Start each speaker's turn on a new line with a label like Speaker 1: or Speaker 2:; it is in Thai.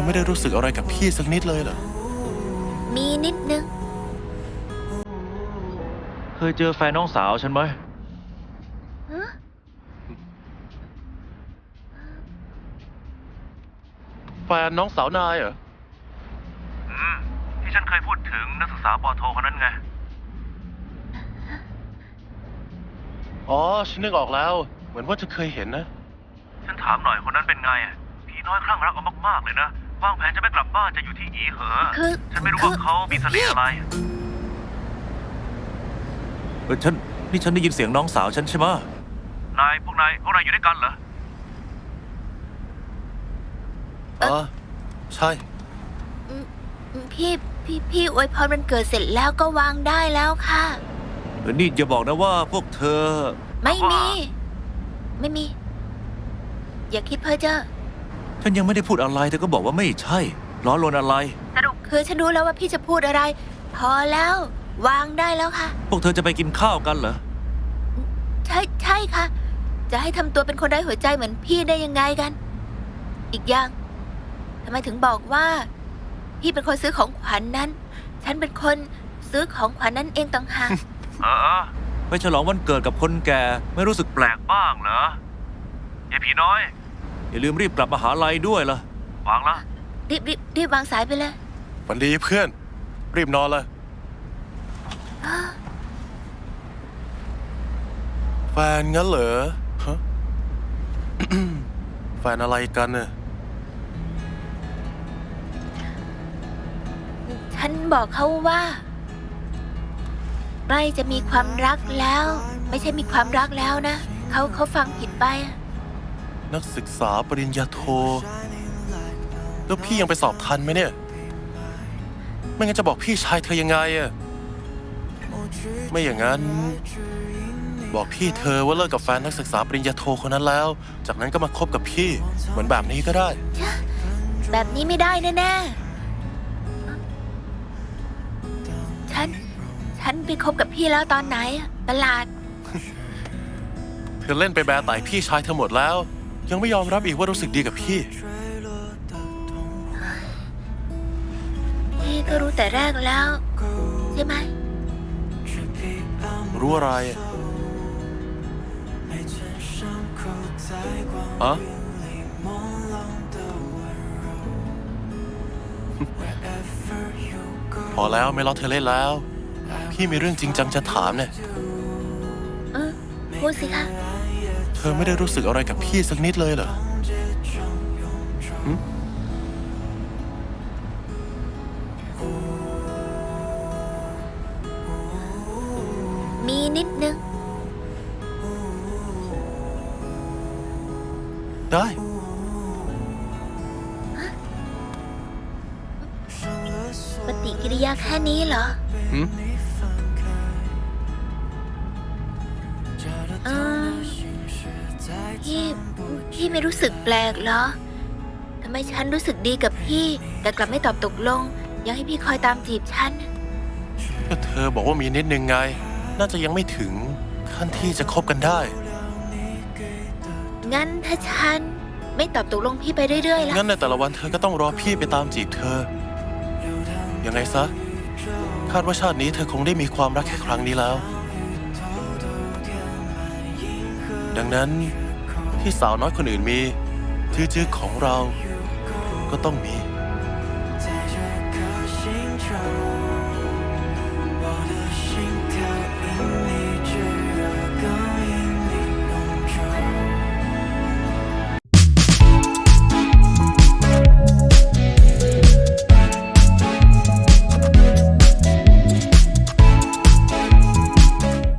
Speaker 1: ไม่ได้รู้สึกอะไรกับพี่สักนิดเลยเหรอ
Speaker 2: มีนิดนึง
Speaker 3: เคยเจอแฟนน้องสาวฉันไหม
Speaker 1: แฟนน้องสาวนายเหรอ
Speaker 3: ที่ฉันเคยพูดถึงนักศึกษาปอโทคนนั้นไง
Speaker 1: อ๋อ ฉันนึกออกแล้ว เหมือนว่าจะเคยเห็นนะ
Speaker 3: ฉันถามหน่อยคนนั้นเป็นไงผีน้อยคลั่งรักเอามากๆเลยนะวางแผนจะไม่กลับบ้านจะอยู่ที่อีเหอ
Speaker 2: คือ
Speaker 3: ฉันไม่รู้ว่าเขามีเสน่ห์อะไรนี่ฉันได้ยินเสียงน้องสาวฉันใช่ไหมพวกนายอยู่ด้วยกันเหรอ
Speaker 1: อ๋อ ใช่
Speaker 2: พี่อวยพรวันเกิดเสร็จแล้วก็วางได้แล้วค่ะ
Speaker 3: นี่อย่าบอกนะว่าพวกเธอ
Speaker 2: ไม่มี อย่าคิดเพ้อเจ้อ
Speaker 3: ฉันยังไม่ได้พูดอะไรเธอก็บอกว่าไม่ใช่ล้อลวนอะไร
Speaker 2: สรุปคือฉันรู้แล้วว่าพี่จะพูดอะไร พอแล้ว วางได้แล้วค่ะ
Speaker 3: พวกเธอจะไปกินข้าวกันเหรอ
Speaker 2: ใช่ค่ะ จะให้ทำตัวเป็นคนไร้หัวใจเหมือนพี่ได้ยังไงกัน อีกอย่างทำไมถึงบอกว่า พี่เป็นคนซื้อของขวัญนั้น ฉันเป็นคนซื้อของขวัญนั้นเองต่างหาก
Speaker 3: ไปฉลองวันเกิดกับคนแก่ไม่รู้สึกแปลกบ้างเหรอไอ้ผีน้อยอย่าลืมรีบกลับมหาลัยด้วยล่ะวางละ
Speaker 2: รีบวางสายไปเลย
Speaker 1: ฝันดีเพื่อน รีบนอนเลย แฟนงั้นเหรอฮะ แฟนอะไรกันเนี่ย
Speaker 2: ฉันบอกเขาว่าใกล้จะมีความรักแล้ว ไม่ใช่มีความรักแล้วนะเขาฟังผิดไป
Speaker 1: นักศึกษาปริญญาโท แล้วพี่ยังไปสอบทันไหมเนี่ย ไม่งั้นจะบอกพี่ชายเธอยังไงอะไม่อย่างนั้น บอกพี่เธอว่าเลิกกับแฟนนักศึกษาปริญญาโทคนนั้นแล้ว จากนั้นก็มาคบกับพี่ เหมือนแบบนี้ก็ได้
Speaker 2: แบบนี้ไม่ได้แน่ๆฉันไปคบกับพี่แล้วตอนไหนอะประหลาด
Speaker 1: เธอเล่นไปแบร์ไต่พี่ชายเธอหมดแล้ว ยังไม่ยอมรับอีกว่ารู้สึกดีกับพี่
Speaker 2: พี่ก็รู้แต่แรกแล้วใช่ไหม
Speaker 1: รู้อะไรอะ พอแล้วไม่ล้อเธอเล่นแล้ว พี่มีเรื่องจริงจังจะถามเนี่ย
Speaker 2: พูดสิคะ
Speaker 1: เธอไม่ได้รู้สึกอะไรกับพี่สักนิดเลยเหรอหึ
Speaker 2: มีนิดนึง
Speaker 1: ได้
Speaker 2: ปฏิกิริยาแค่นี้เหรอ
Speaker 1: หึ
Speaker 2: เออพี่ไม่รู้สึกแปลกเหรอ ทำไมฉันรู้สึกดีกับพี่ แต่กลับไม่ตอบตกลง ยังให้พี่คอยตามจีบฉัน
Speaker 1: ก็เธอบอกว่ามีนิดนึงไง น่าจะยังไม่ถึงขั้นที่จะคบกันได้
Speaker 2: งั้นถ้าฉันไม่ตอบตกลงพี่ไปเรื่อยๆล่ะ
Speaker 1: งั้นในแต่ละวันเธอก็ต้องรอพี่ไปตามจีบเธอ ยังไงซะ คาดว่าชาตินี้เธอคงได้มีความรักแค่ครั้งนี้แล้ว ดังนั้นที่สาวน้อยคนอื่นมีจื้อๆของเราก็ต้องมี